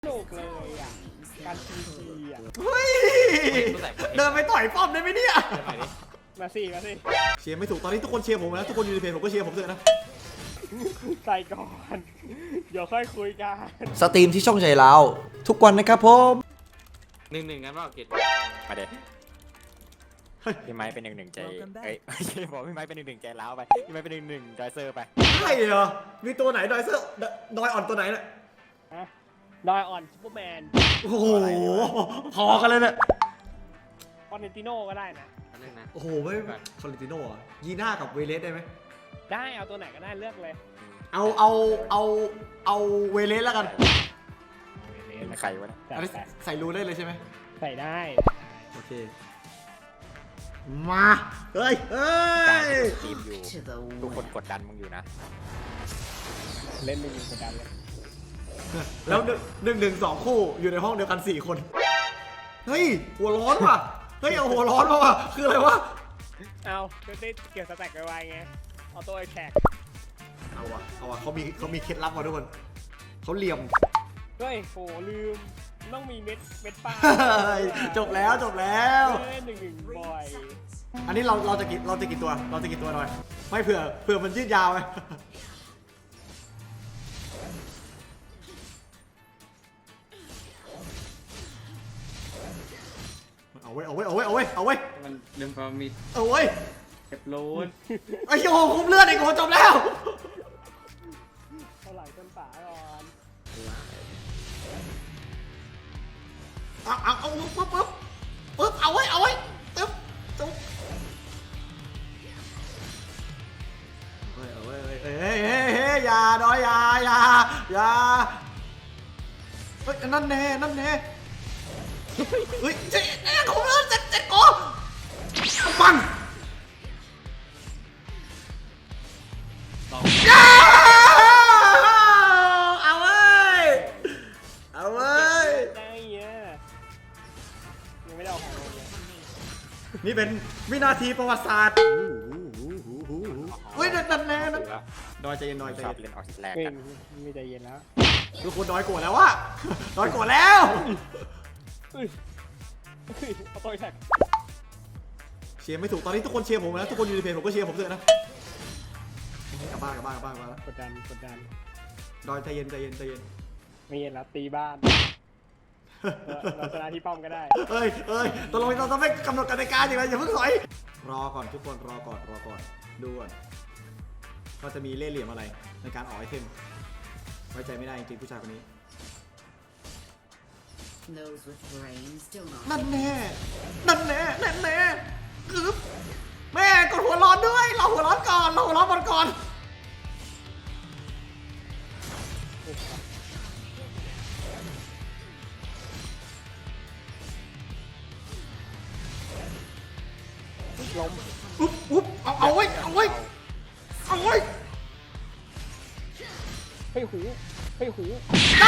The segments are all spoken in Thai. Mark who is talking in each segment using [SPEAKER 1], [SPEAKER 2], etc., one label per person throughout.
[SPEAKER 1] สนุกเลยอ่ะการทีอ่ะ
[SPEAKER 2] เฮ้ยเดินไปต่อยป้อมได้ไหมเนี่ย
[SPEAKER 1] มาสิ
[SPEAKER 2] เชียร์ไม่ถูกตอนนี้ทุกคนเชียร์ผมนะทุกคนอยู่ในเพจผมก็เชียร์ผมเถอะนะ
[SPEAKER 1] ใส่ก่อน เดี๋ยวค่อยคุยกัน
[SPEAKER 3] สตรีมที่ช่องใจเราทุกวันนะครับผม
[SPEAKER 4] 1-1กันเปล่ากิจมาเด็ดพี่ไม้เป็น1-1ใจเอ้ยไม่ใช่บอกพี่ไม้เป็น1-1ใจล้าวไปพี่ไม้เป็น1-1ดอยเซอร์ไป
[SPEAKER 2] ใช่เหรอมีตัวไหนดอยเซอร์ดอยอ่อนตัวไหนเนี่ย
[SPEAKER 1] ดอยอ่อนซูเปอร์แมน
[SPEAKER 2] โอ้โหพอกันเลยเนี่ย
[SPEAKER 1] คอนเนติโน่ก็ได้นะ
[SPEAKER 2] โอ้โหไม่คอลิติโน่อะยีน่ากับเวเลสได้ไหม
[SPEAKER 1] ได้เอาตัวไหนก็ได้เลือกเลย
[SPEAKER 2] เอาเวเลสแล้วกัน
[SPEAKER 4] เป็นใครวะเนี่ย
[SPEAKER 2] อันนี้ใส่รูได้เลยใช่ไหม
[SPEAKER 1] ใส่ได้
[SPEAKER 2] โอเคมาเฮ้ย
[SPEAKER 4] การทีมอยู่ทุกคนกดดันมึงอยู่นะ
[SPEAKER 1] เล่นไม่ยิงกดดันเลย
[SPEAKER 2] แล้ว1-1-2คู่อยู่ในห้องเดียวกัน4คนเฮ้ยหัวร้อนว่ะเฮ้ยเอาหัวร้อนมาว่ะคืออะไรวะ
[SPEAKER 1] เอาจะได้เกี่ยวสแต็กไวๆไงเอาตัวไอ้แขก
[SPEAKER 2] เอาวะเขามีเคล็ดลับมาทุกคนเขาเหลี่ยม
[SPEAKER 1] เฮ้ยโหลืมต้องมีเม็ดปลา
[SPEAKER 2] จบแล้ว
[SPEAKER 1] เล่น1-1บ่อย
[SPEAKER 2] อันนี้เราจะกี่ตัวหน่อยไม่เผื่อมันยืดยาวไงเอาไว้
[SPEAKER 5] มันเริ่มพอมี
[SPEAKER 2] เอาไว้
[SPEAKER 5] เก็บโลน
[SPEAKER 2] ไอ้โหคุ้มเลือดอีกโหจบแล้ว
[SPEAKER 1] เท่าไหร่ต้นป่าก่อน
[SPEAKER 2] เอาปึ๊บเอาไว้ตึ๊บจุ๊บเฮ้ยอย่าดอยอย่าเฮ้ยนั่นแน่เฮ้ยเจ๊คุ้มเลือดเจ็ดโกปังเอาเว้ย
[SPEAKER 1] ได้เงี้ยยังไม่ได้เอาของลงเลย
[SPEAKER 2] นี่เป็นวินาทีประวัติศาสตร์เฮ้ยนั่นแน่ดอยใจเย็น
[SPEAKER 4] ชอบเล่นออกแลก
[SPEAKER 1] เฮ้ย
[SPEAKER 4] กัน
[SPEAKER 1] ไม่ใจเย็นแล้ว
[SPEAKER 2] ทุกคนดอยโกรธแล้ววะดอยโกรธแล้ว
[SPEAKER 1] เอาตัวแท็ก
[SPEAKER 2] เชียร์ไม่ถูกตอนนี้ทุกคนเชียร์ผมนะทุกคนอยู่ในเพจผมก็เชียร์ผมเถอะนะกลับบ้านแล้ว
[SPEAKER 1] กดดัน
[SPEAKER 2] ดอยใจเย็น
[SPEAKER 1] ไม่เย็นแล้วตีบ้านเราชนะที่ป้อมก็ได้
[SPEAKER 2] เอ้ยตกลงเราต้องไม่กำหนดกติกาอย่างไรอย่าเพิ่งถอยรอก่อนทุกคนรอก่อนดูก่อนว่าจะมีเล่ห์เหลี่ยมอะไรในการออกไอเทมไว้ใจไม่ได้จริงๆผู้ชายคนนี้
[SPEAKER 6] Those with brains still not.
[SPEAKER 2] นั่นแน่คือแม่กดหัวร้อนด้วยเราหัวร้อนก่อน
[SPEAKER 1] ล้ม
[SPEAKER 2] อุ๊บเอาไว้
[SPEAKER 1] ให้หู
[SPEAKER 2] ได้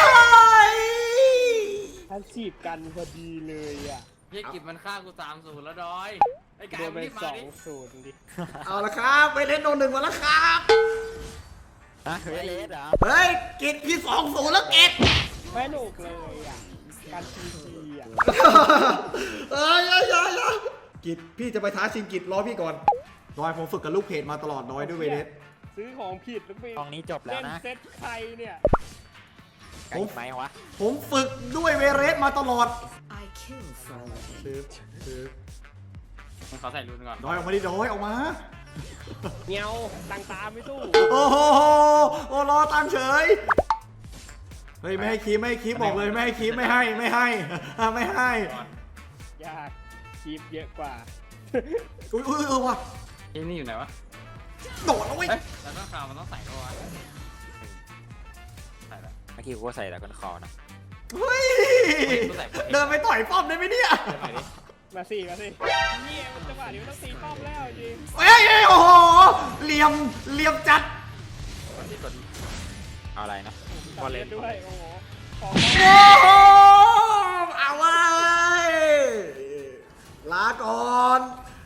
[SPEAKER 1] ท่านจีบกันพอดีเลยอ่ะ
[SPEAKER 4] เฮียกิจมันฆ่ากู3-0แล้วดอยไอ้กา
[SPEAKER 1] โด
[SPEAKER 4] ย
[SPEAKER 1] นไป
[SPEAKER 4] รีบมาดิ
[SPEAKER 1] 2-0ดิ
[SPEAKER 2] เอาละครับไปเล่นโนหนึ่งมาแล้วครับ
[SPEAKER 4] เฮ้ยเลสเหรอ
[SPEAKER 2] เฮ้ยกิจพี่2-0แล้วกิจ
[SPEAKER 1] ไม่สนุกเลยอ่ะการทีอ่ะ
[SPEAKER 2] อย่ากิจพี่จะไปท้าชิงกิจรอพี่ก่อนดอยผมฝึกกับลูกเพจมาตลอดดอยด้วยเวเดส
[SPEAKER 1] ซื้อของผิดแล้วไป
[SPEAKER 4] ตองนี้จบแล้วนะ
[SPEAKER 1] เซ็ตใครเนี่ย
[SPEAKER 4] ไก่ไหมวะ
[SPEAKER 2] ผมฝึกด้วยเวเรสมาตลอด
[SPEAKER 6] I kill for a living.
[SPEAKER 2] ซื้อ
[SPEAKER 5] มันขอใส่รูนก่อน
[SPEAKER 2] ดอยออกมาดิดอยออกมา
[SPEAKER 1] เงียวตังตาไม่สู้
[SPEAKER 2] โอ้โหรอตามเฉยเฮ้ยไม่ให้คีบบอกเลยไม่ให้คีบไม่ให้
[SPEAKER 1] ยากคีบเยอะกว่า
[SPEAKER 2] อุ้ยว่ะ
[SPEAKER 5] เอ้ยนี่อยู่ไหนวะ
[SPEAKER 2] โดดแล้วเว้ย
[SPEAKER 5] เอ้ยแล้วก็ข่าวมันต้องใส่เข้าวะใส่แล้ว
[SPEAKER 4] เมื่อกี้กูก็ใส่แล้วกันคอนะ
[SPEAKER 2] เฮ้ยเดินไปต่อยป้อมได้ไหมเนี่ย
[SPEAKER 5] เดี๋ยวใหม่ดิ
[SPEAKER 1] มาสิเนี่ยมันจังหวะนี้มันต้องตีป้อมแล้วจริง
[SPEAKER 2] เฮ้ยโอ้โหเหลี่ยมจัด
[SPEAKER 4] กดเอาอะไรนะ
[SPEAKER 1] ตัดเล่นด้วยโอ้โหของ
[SPEAKER 2] โอ้โหเอาไว้ลาก่อน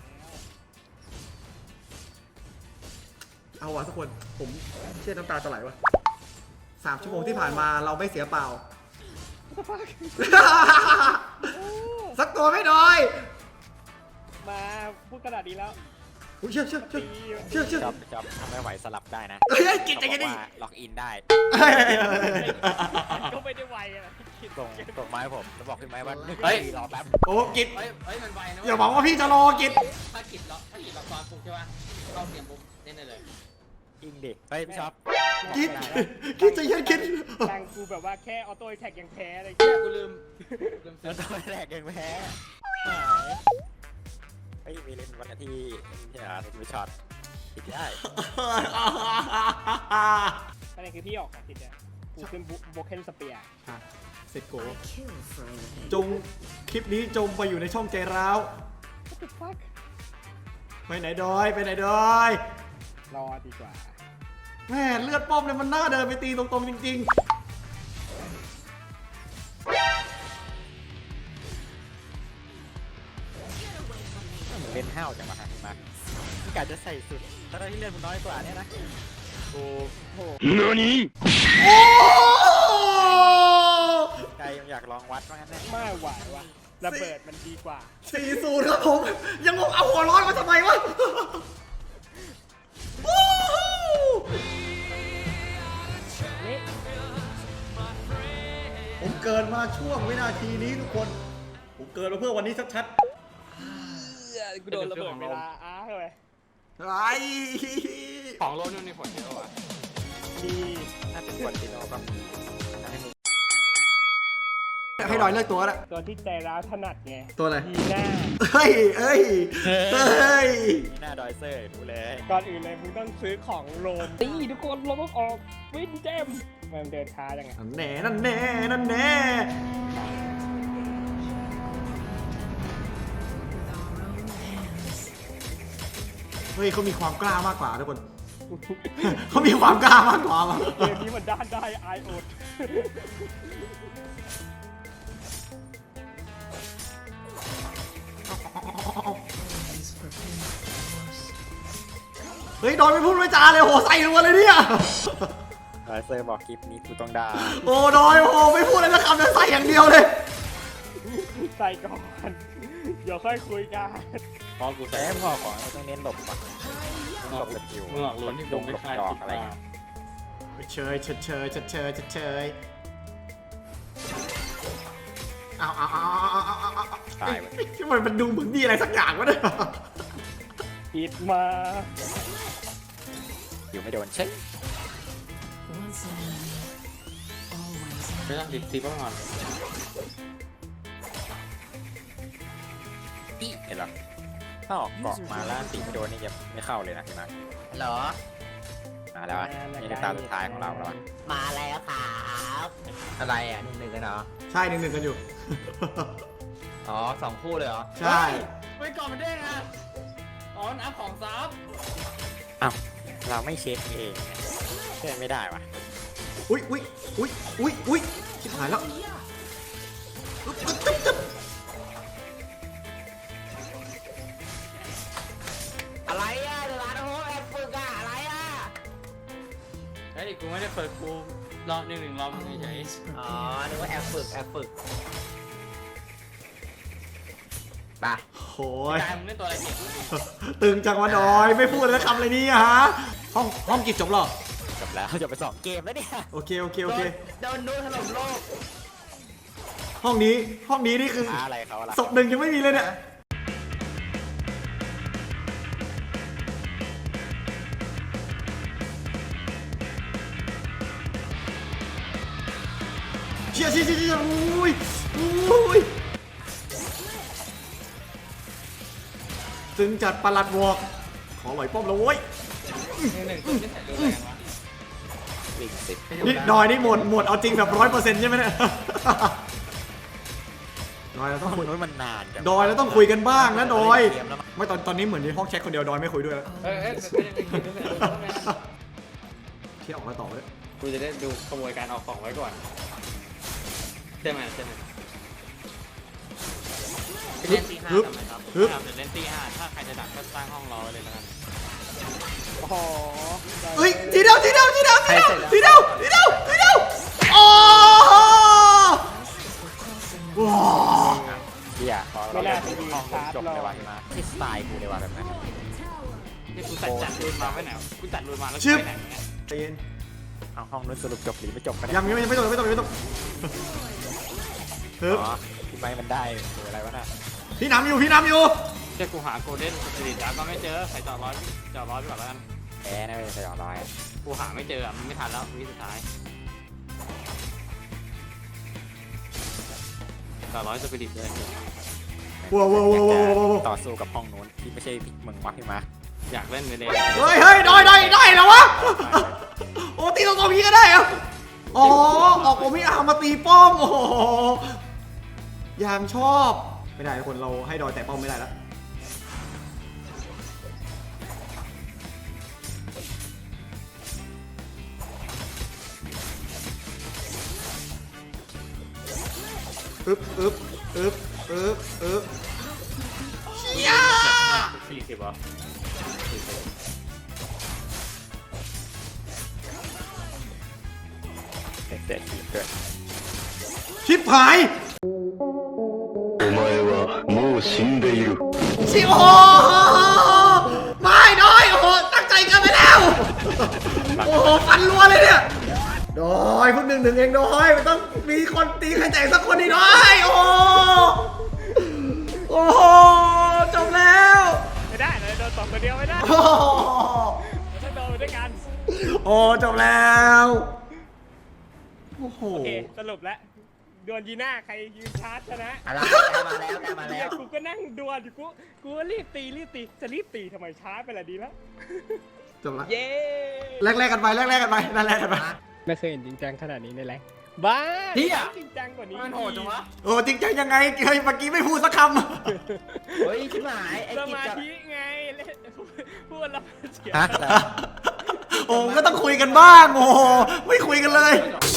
[SPEAKER 2] เอาวะทุกคนผมเชื่อน้ำตาจะไหลวะ3 ชั่วโมงที่ผ่านมาเราไม่เสียเปล่าสักตัวไม่ดอย
[SPEAKER 1] มาพูดขนาดนี้แล้ว
[SPEAKER 2] อุ๊ยเชื่อ
[SPEAKER 1] ตี
[SPEAKER 4] จับทำไม่ไหวสลับได้นะ
[SPEAKER 2] เฮ้ยกินใจ
[SPEAKER 4] เขา
[SPEAKER 2] กัน
[SPEAKER 4] บ
[SPEAKER 2] ดิ
[SPEAKER 4] อกว่าล็อกอินได้
[SPEAKER 1] ก็ไม่ได้ไวอะคิด
[SPEAKER 4] ส่งไม้ผมแล้วบอกพี่ไม้ว่า
[SPEAKER 5] เฮ้ย
[SPEAKER 4] รอแป๊บ
[SPEAKER 2] โอ้กิน
[SPEAKER 5] เฮ้ยมันไวนะ
[SPEAKER 2] อย่าบอกว่าพี่จะรอกิน
[SPEAKER 5] ถ้ากิดล็อกตอนปลุกใช่ป่ะเข้าเสียงปุ๊บเล่นได้เลย
[SPEAKER 4] อิงดิเฮ้ยพี่ช็อป
[SPEAKER 2] กินใจเย็นกิน
[SPEAKER 1] ตังกูแบบว่าแค่ออโต้แท็กยังแพ้เลย
[SPEAKER 5] เชี่ยกูลืม
[SPEAKER 4] แล้วตอนแรกยังแพ้เฮ้ยมีเล่นวันที่ที่ไหนที่ช็อตติดได้
[SPEAKER 1] ประเด็นคือพี่ออกอะทิศเนี่ยกูขึ้นโบเคนสเปียร์
[SPEAKER 2] เสร็จโก
[SPEAKER 6] I kill for a living.
[SPEAKER 2] จงคลิปนี้จงไปอยู่ในช่องใจร้าว
[SPEAKER 1] What the fuck
[SPEAKER 2] ไปไหนดอยไปไหนดอย
[SPEAKER 1] รอดีกว่า
[SPEAKER 2] แม่เลือดป้อมเนี่ยมันน่าเดินไปตีตรงๆจริง
[SPEAKER 4] เล่นห้าวจังวะฮะมาพี่กาจะใส่สุดตอนที่เล่นมันน้อยกว่าเนี่ยนะ
[SPEAKER 1] โอ้โห
[SPEAKER 2] ๆ โอ้
[SPEAKER 4] ใจยังอยากลองวัดว่างั้นแน่
[SPEAKER 1] ไม่ไหวว่ะระเบิดมันดีกว่า
[SPEAKER 2] 40ครับผมยังงงเอาหัวร้อนมาทำไมวะโอ้โห
[SPEAKER 1] นี่
[SPEAKER 2] ผมเกินมาช่วงวินาทีนี้ทุกคน ผมเกินมาเพื่อวันนี้ชัด
[SPEAKER 1] กูโดนระเบิดเวลาเลย
[SPEAKER 2] ๆไอ้
[SPEAKER 5] ของโลนู่นนี่ผลเยอะว่ะ
[SPEAKER 1] ดี
[SPEAKER 4] ถ้าเป็นคนที่โนก็ให้มึง
[SPEAKER 2] ให้ดอยเลือกตัวละ
[SPEAKER 1] ตัวที่ใจร้าวถนัดไง
[SPEAKER 2] ตัวอะไร
[SPEAKER 1] ดีหน้า
[SPEAKER 2] เฮ้ยเอ้ยเฮ้ย
[SPEAKER 4] หน้าดอยเซอร์ดูเลย
[SPEAKER 1] ก่อนอื่นเลยมึงต้องซื้อของโรมตีทุกคนโรมต้องออกวินเจมมันเดินช้าจังไง
[SPEAKER 2] นั่นแน่นั่นแน่นั่นแน่เฮ้ยเขามีความกล้ามากกว่าทุกคน เขามีความกล้ามากกว่าว่ะ
[SPEAKER 1] เกมนี้มันด้านได้ไอโอด
[SPEAKER 2] เฮ้ยดอยไม่พูดไม่จาเลยโหใส่รัวเลยเนี่ย
[SPEAKER 4] ดอยเซอร์บอกคลิปนี้กูต้องด่า
[SPEAKER 2] โอ้ดอยโอ้ไม่พูดอะไรสักคำเลยใส่อย่างเดียวเลย
[SPEAKER 1] ใส่ก่อน เดี๋ยวค่อยคุยกัน
[SPEAKER 5] พอกู
[SPEAKER 4] แต่
[SPEAKER 5] ใส่
[SPEAKER 4] ให้พ่อของเราต้องเน้นหลบก่อนหลบสกิล
[SPEAKER 5] มึงออกลุ้นที่
[SPEAKER 4] ด
[SPEAKER 5] ว
[SPEAKER 4] ง
[SPEAKER 5] ง
[SPEAKER 4] ห
[SPEAKER 5] ไม่
[SPEAKER 4] ลบ
[SPEAKER 5] คลาย
[SPEAKER 4] ดอกอะไรเงี้ย
[SPEAKER 2] เชยเชยเชยเชยเชยเชยเอา
[SPEAKER 4] ตายไป
[SPEAKER 2] ทำไมมันดูเหมือนมีอะไรสักอย่างวะเนี่ย
[SPEAKER 1] ปิดมา
[SPEAKER 4] อยู่ไม่โดนเช็ค
[SPEAKER 6] Once an enemy, always
[SPEAKER 5] ไม่ต้องดิบตีป้องก่อน
[SPEAKER 4] อีเห็นหรอถ้าออกเกาะมาแล้วตีไม่โดนนี่จะไม่เข้าเลยนะพี่มาร์ค
[SPEAKER 7] เหรอ
[SPEAKER 4] มาแล้วอะนี่คือตาสุดท้ายของเราแล้วอะ
[SPEAKER 7] มาแล้วครับอะไรอ่ะ1-1กันเหรอ
[SPEAKER 2] ใช่1-1กันอยู่
[SPEAKER 7] อ๋อ2คู่เลยเหรอ
[SPEAKER 2] ใช่
[SPEAKER 5] ไม่ก่อนมันเด้งอ่ะอ๋อน้ำของซับ
[SPEAKER 4] อ้าวเราไม่เช็คเองเช็คไม่ได้วะ
[SPEAKER 2] อุ้ยอุ้ยอุ้ยอุ้ยอุ้ยชิบหายแล้วอึ๊บอึ๊บจึ๊บจึ๊บ
[SPEAKER 7] อะไรอ่ะเดลาโฮแอบฝึกอ่ะอะไรอ่ะ
[SPEAKER 5] เฮ้ยกูไม่ได้เปิดกูรอ1-1รอมึงเฉย
[SPEAKER 6] always
[SPEAKER 7] อ๋อ
[SPEAKER 6] prepared.
[SPEAKER 7] นึกว่าแอบฝึกไป
[SPEAKER 2] โอ้
[SPEAKER 5] ๆ
[SPEAKER 2] ย
[SPEAKER 5] กายมึงเล่นตัวอะไรเก่ง
[SPEAKER 2] ตึงจังวะดอยไม่พูดเลยคำเลยนี่ฮะห้องกิจจบแล้ว
[SPEAKER 4] จบแล้วจบไป2เกมแล้วเนี่ย
[SPEAKER 2] โอเคโอเคโอเค
[SPEAKER 7] โดนนูถล่มโลก
[SPEAKER 2] ห้องนี้นี่คือ
[SPEAKER 4] อะไรเขาล่ะ
[SPEAKER 2] ศพหนึ่งยังไม่มีเลยเนี่ยเชี่ยอุ้ยอุ้ยตึงจัดประหลัดวอกขอไหวป้อมแล้วเว้ย
[SPEAKER 5] 1-1กูจะใส่รูนอะไรกันวะ
[SPEAKER 4] วิ่งสิบ
[SPEAKER 2] นี่ดอยนี่หมดเอาจริงแบบ100%ใช่ไหมเนี่ย ดอยเราต้องคุย
[SPEAKER 4] นู้นมันนานจัง
[SPEAKER 2] ดอยเราต้องคุยกันบ้างนะดอย
[SPEAKER 4] เกมแล้วมั้ง
[SPEAKER 2] ไม่ตอนนี้เหมือนในห้องแชทคนเดียวดอยไม่คุยด้วยแล้ว
[SPEAKER 5] เอ้ย
[SPEAKER 2] เที่ยวออกมาต่อเลย
[SPEAKER 5] กูจะได้ดูขโมยการออกของไว้ก่อนใช่ไหมเล่นตีห้าทำไมครับครับเดี๋ยวเล่นตีห้าถ้าใครจะดักก็สร้างห้องรอไว้เลยแล้วกัน
[SPEAKER 1] อ๋อ
[SPEAKER 2] เฮ้ยทีเดียวโอ้
[SPEAKER 1] ไม่น่าจะมี
[SPEAKER 4] ห้อง
[SPEAKER 1] ชาร์จ
[SPEAKER 4] จบ
[SPEAKER 1] หรอก
[SPEAKER 4] เลยว่ะพี่มาที่สไตล์กูเลยว่ะแบบนั้น
[SPEAKER 5] นี่กูจัดรูนมาไปไหนกูจัดรูนมาแล้ว
[SPEAKER 2] ชึบ
[SPEAKER 5] ไปไหนเนี่ย
[SPEAKER 2] ใจเย็น
[SPEAKER 4] เอาห้องนู้นสรุปจบหรือไม่จบกัน
[SPEAKER 2] ยังไม่ตกฮึบ
[SPEAKER 4] อ๋อพี่ไม้มันได้หรืออะไรวะน่ะ
[SPEAKER 2] พี่น้ำอยู่
[SPEAKER 5] เจ้ากูหาโกลเด้นสปิริตแล้วก็ไม่เจอใส่จอดร้อยไปก่อนแล้วกัน
[SPEAKER 4] แพ้นะเว้ยสยองร้อย
[SPEAKER 5] กูหาไม่เจอมันไม่ทันแล้ววิสุดท้ายจอดร้อยสปิริตเลย
[SPEAKER 2] ว้าว
[SPEAKER 4] ต่อสู้กับห้องนู้นที่ไม่ใช่มึงวะพี่มา
[SPEAKER 5] อยากเล่นไปเลย
[SPEAKER 2] เฮ้ยได้แล้ววะโอ้ตีตรงๆนี้ก็ได้เหรออ๋อออกผมพี่อาร์มาตีป้อมโอ้โหอย่างชอบไม่ได้ทุกคนเราให้ดอยแต่ป้อมไม่ได้แล้วอึ๊บเชี่ย
[SPEAKER 5] 40อ่ะ
[SPEAKER 4] เด็กๆทีมด้วย
[SPEAKER 2] ชิบหายお前はもう死んでいるชิโอ้ไม่น้อยโอ้โหตั้งใจกันไปแล้วโอ้โหฟันรัวเลยเนี่ยดอยเพิ่ง1-1เองดอยมันต้องมีคนตีใครแตกสักคนนี่น้อยโอ้โหโอ้โหจบแล้ว
[SPEAKER 1] ไม่ได้เลยโดนตบคนเดียวไม่ได้
[SPEAKER 2] โอ้โห
[SPEAKER 1] ถ้าโดนด้วยกัน
[SPEAKER 2] โอ้จบแล้วโอ้โห
[SPEAKER 1] โอเคสรุปแล้วดวลยีน่าใครยืนชาร์จชนะ
[SPEAKER 7] อะไรแกมาแล้ว
[SPEAKER 1] กูก็นั่งดวลอยู่กูก็รีบตีจะรีบตีทำไมช้าไปละดีแล้ว
[SPEAKER 2] จบแล้ว
[SPEAKER 1] เย้
[SPEAKER 2] แลกกันไป
[SPEAKER 1] ไม่เคยเห็นจริงจังขนาดนี้ในแรงบ้า
[SPEAKER 5] เฮีย
[SPEAKER 1] จริงจังกว่านี้
[SPEAKER 5] มันโหดจังวะ
[SPEAKER 2] โอ้จริงจังยังไงเฮ้ยเมื่อกี้ไม่พูดสักค
[SPEAKER 7] เฮ้ยชิบหายไอ้
[SPEAKER 1] ส
[SPEAKER 7] กิจ
[SPEAKER 1] มา
[SPEAKER 7] กับ
[SPEAKER 1] ธิไงพูดแล้วเสีย
[SPEAKER 4] ฮะ
[SPEAKER 2] ำโอ้ก็ต้องคุยกันบ้างโอ้โหไม่คุยกันเลย
[SPEAKER 5] จบ